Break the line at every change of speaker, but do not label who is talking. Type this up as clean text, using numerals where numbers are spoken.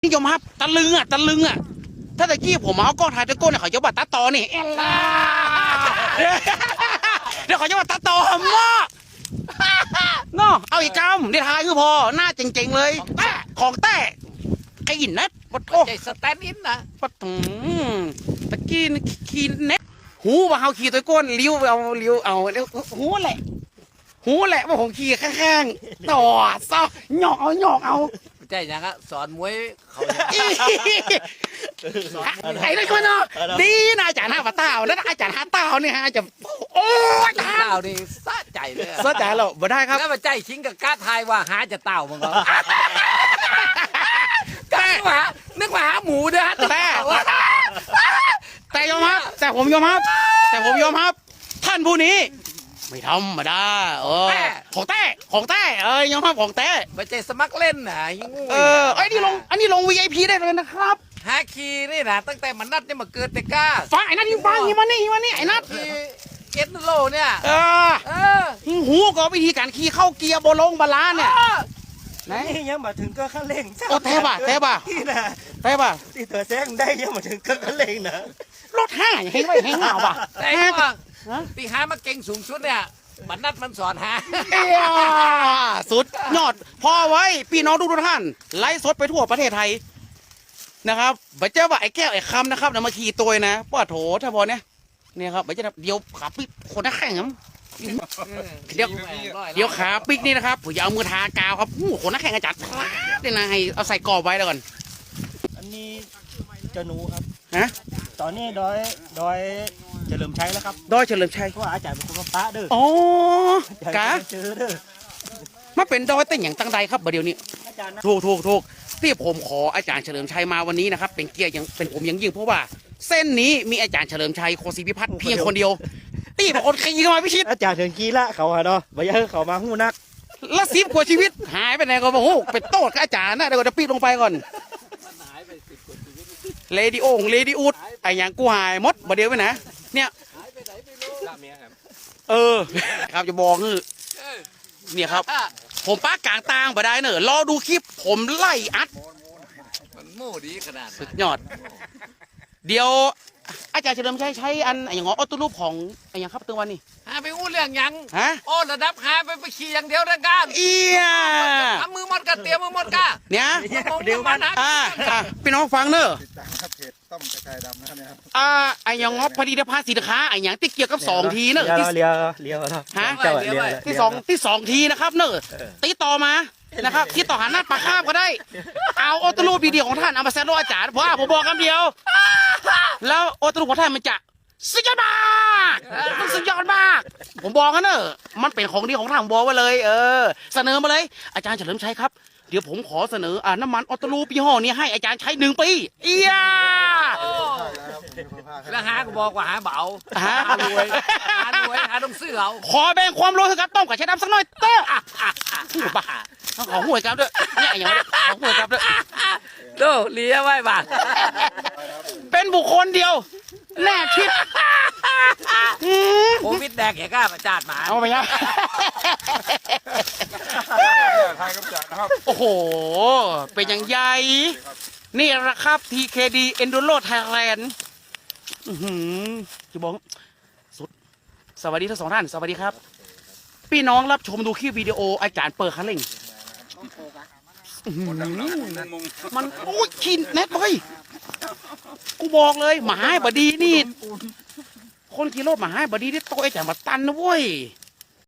นิยมครับตะลึงอ่ะถ้าตะกี้ผมเอากล้องถ่ายตะโก้เนี่ยเขาจะว่าตาตอนี่เอล่าเดี๋ยวเขาจะว่าตาตอมากเนาะเอาอีกกำเดี๋ยวถ่ายคือพอหน้าเจ๋งๆเลยของแต่ไอ้อินเน็ตปะโถ
ใจสแตนด์อินนะ
ปะตะกี้ขี่เน็ตหูว่าเขาขี่ตะโก้นเลี้ยวเอาหูแหละว่าผมขี่ข้างๆต่อซะหยอกเอา
ใจยังก็สอนมวยเขา
ไอ้นั่นก็เนาะดีนะอาจารย์ห้าปะเต้าแล้วอาจารย์ห้าเต้าเนี่ยฮะจะโอ้ย
เต้านี่สะใจเลย
สะใจเราบ่ได้ครับ
แล้วมาใจชิงกับก้าทายว่าหาจะเต้ามึงเหรอก้านึกว่าหาหมูเด้อ
แต่ยอมครับแต่ผมยอมครับท่านผู้นี้ไม่ธรรมดาของแต่ยอมรับของแต่
มาใจสมัครเล่นนะยิงงู
อันนี้ลง VIP ได้เลยนะครับ
ฮาคีนี่นะตั้งแต่มันนัดเนี่ยมาเกิดแต่ก้า
ฟังไอ้นัทฟังอีมานี่ไอ้นัท
คีเอ็ดโลเนี่ย
หูก็วิธีการขี่เข้าเกียร์โบลงบาลานเนี่ยไหน
นี่ยังมาถึงก็ขั้นเร่ง
โอ้แทบป่ะ
ที่นะ ที่เธอแซงได้ยังมาถึงก็ขั้นเร่งนะ
รถห้าเห็นไว้เห็นเหงาป่ะ
แต่ว่าตีหามาเก่งสูงสุดเนี่ยมันนัดมันสอนหา
สุดยอดพอไว้พี่น้องทุกท่านไลฟ์สดไปทั่วประเทศไทยนะครับบัจเจ้าว่าไอ้แก้วไอ้คำนะครับนำมาขี่ตัวนะป้าโถถ้าพอเนี่ยครับบัจเจ้าเดี๋ยวขาปิดคนนักแข่งครับเดี๋ยวขาปิกนี่นะครับผมจะเอามือทากาวครับคนนักแข่งอาจารย์เนี่ยนะให้เอาใส่กรอบไว้แล้วก่อน
อันนี้เจ้าหนูครับ
ฮะ
ตอนนี้ดอยเฉลิมชัยแล้วครับ
ดอยเฉลิมชัย
เพราะว่าอาจารย์เป็นคนมาปะเด้อ
อ๋อกะ
เจอเด้อ
มาเป็นดอยเต้นอย่างตั้งใดครับเดี๋ยวนี้
อาจารย์นะ
ถูกที่ผมขออาจารย์เฉลิมชัยมาวันนี้นะครับเป็นเกียรติอย่างเป็นผมอย่างยิ่งเพราะว่าเส้นนี้มีอาจารย์เฉลิมชัยโคศิพิพัฒน์เพียงคนเดียวตีเป็นคนขี่เข้ามาพิชิต
อาจารย์เถิงกี้ละเขาอะเนาะบ่อยากให้เขามาหู้นัก
ละ10 กว่าชีวิตหายไปไหนก็บอกโอ้เป็นโต้กับอาจารย์นะเดี๋ยวจะปิดลงไปก่อนเลดี้อูดไอ้อย่างกูหายมดบ่เดียวไปนะเนี่ยครับจะบอกคือเนี่ยครับผมป้ากลางตางบ่ได้เนอะรอดูคลิปผมไล่อัด
มันโม่ดีขนาด
สุดยอดเดี๋ยวอาจารย์เฉลิมชัยใช้อันอย่างออโต้รูปของอย่างครับตัววันนี้
หาไปอู้เรื่องยัง
ฮะ
โอ้ระดับหาไปขี่อย่างเดียวได้กัน
เอีย
ทำมือหมดกันเตรียมมือหมดกัน
เนี่ย
เดี๋ยวมันนะ
พี่น้องฟังเนอะ
ติดตามครับเพจต้มกระชายดำนะครับเนี่ยครับ
ไอ้อย่างงบผลิตภัณฑ์สินค้าไอ้อย่างที่เกี่ยวกับ2 ทีเนอะที่
เลี้ยวเนาะ
ฮะ
เจ้าเลี้ยว
ที่สองทีนะครับเนอะติดต่อมานะครับที่ต่อหาหน้าปากคาบก็ได้เอาออโต้รูปดีๆของท่านเอามาแซดโลอาจารย์เพราะว่าผมบอกคำเดียว แล้วออโต้รูปของท่านมันจะสุดยอดมากมันสุดยอดมากผมบอกกันเนอะมันเป็นของดีของทางบอกไว้เลยเสนอมาเลยอาจารย์เฉลิมชัยครับเดี๋ยวผมขอเสนอน้ำมันออโต้รูปยี่ห้อนี้ให้อาจารย์ใช้1 ปีเอีย
แล้วหาก็บอกว่าหาเบา
ฮะ
หารวยหาต้องซื้อเอา
ขอแบ่งความรู้เถอะครับต้มกับใช้ดำสักหน่อยเต้อบ้าขอหวยครับด้วยเนี่ยอย่างนี้ขอหวยครับด้วย
โตเลี้ยไว้บ้าง
เป็นบุคคลเดียวแน่ชิด
โควิดแดกแกกล้าประจาดหมา
เอาไปยัง
ทายกับจ่านะครับ
โอ้โหเป็นอย่างใหญ่นี่แหละครับ TKD Enduro Thailand จะบอกสุดสวัสดีทั้ง2 ท่านสวัสดีครับพี่น้องรับชมดูคลิปวิดีโออาจารย์เปิดคันเร่งมันโอ้ยชินเน็ตเลยกูบอกเลยหมาให้บดีนี่คนขี่รถหมาให้บดีนี่โตไอ้อาจารย์มาตันนะเว้ย